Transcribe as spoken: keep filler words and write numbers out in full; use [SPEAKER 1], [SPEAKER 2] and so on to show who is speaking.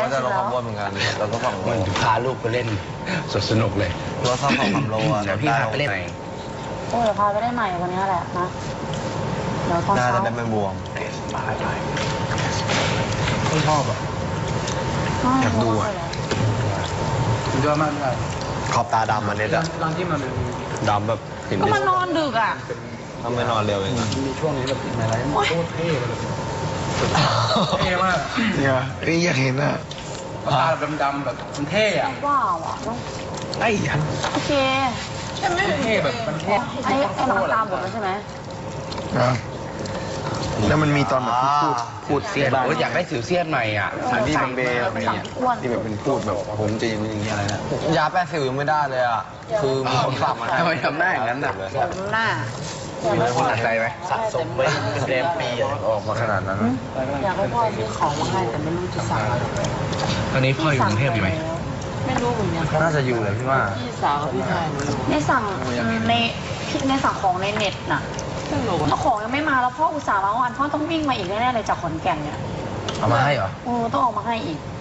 [SPEAKER 1] ก็จะลงความอ้วนเหมือนกันเราก็ฝั่งโล
[SPEAKER 2] มันพาลูกไปเล่นสดสนุกเลย
[SPEAKER 1] รถซ่อมของความโลอ่ะ
[SPEAKER 2] เดี๋ยวพี่พาไปเล่นไหน
[SPEAKER 3] โอ้เดี๋ยวพาไปได้ใหม่วันนี้แหละนะเดี๋ยวตอน
[SPEAKER 1] น่า
[SPEAKER 3] เช้า
[SPEAKER 1] จะเป็นไม่บวม
[SPEAKER 2] ไปไปไม่ชอบอ่ะ อยากดูอะ สุดยอดมากเลย
[SPEAKER 1] ขอบตาดำมันเน็ตอ่ะ
[SPEAKER 2] ตอนที่มันดำแบบเห็น
[SPEAKER 3] ก็มันนอนดึกอ่ะ
[SPEAKER 1] ถ้าไม่นอนเร็วเองอ่ะ
[SPEAKER 2] มีช่วงนี้แบบในไลฟ์โคตรเท่เลยเท่มาก
[SPEAKER 4] เนี่ยนี่อยากเห็นอ่ะ
[SPEAKER 2] ตาดำๆแบบมันเท่อะ
[SPEAKER 3] ว้าวอ่ะน้อง
[SPEAKER 4] ไอ้ยัน
[SPEAKER 3] โอเคใช่ไหม
[SPEAKER 2] เท่แบบมันเท่
[SPEAKER 3] ไอ้ไอ้น้องตามผมแล้วใช่ไหม
[SPEAKER 4] นะแล้วมันมีตอนแบบพูดพูดเสียด
[SPEAKER 2] โอ้ยอยากได้สิวเซียนใหม่อ่ะ
[SPEAKER 4] อันที่มันเบล
[SPEAKER 3] ไป
[SPEAKER 4] มี
[SPEAKER 3] สั่ง
[SPEAKER 4] อ่ะ
[SPEAKER 3] อ้วน
[SPEAKER 4] ที่แบบเป็นพูดแบบผมจะอย่างนี้อย่างนี้อะไรนะ
[SPEAKER 1] ยาแป้สิวยังไม่ได้เลยอ่ะคือมีคนฝากมาให้
[SPEAKER 2] ทำไมทำได้อย่างนั้นน่ะ
[SPEAKER 3] ผมหน้า
[SPEAKER 2] มีคนหนักใจไหม
[SPEAKER 1] สะสมไปเป็นเดมปีออกมาขนาดนั้น
[SPEAKER 3] อยากให้พ่อซื้อของมาให้แต่ไม่รู้จะสั่งอะไร
[SPEAKER 2] ตอนนี้พ่ออยู่กรุงเทพอยู่ไหม
[SPEAKER 3] ไม่รู้เหมือนกัน
[SPEAKER 1] น่าจะอยู่เลยพี่ว่า
[SPEAKER 3] พี่สาวกับพี่ชายในสั่งในในสั่งของในเน็ตน่ะเจ้าของยังไม่มาแล้วพ่ออุตส่าห์มาวันพ่อต้องวิ่งมาอีกแน่ๆเลยจากขอนแก่นเนี่ย
[SPEAKER 2] เอามาให้เหรอ
[SPEAKER 3] โอ้ต้องออกมาให้อีก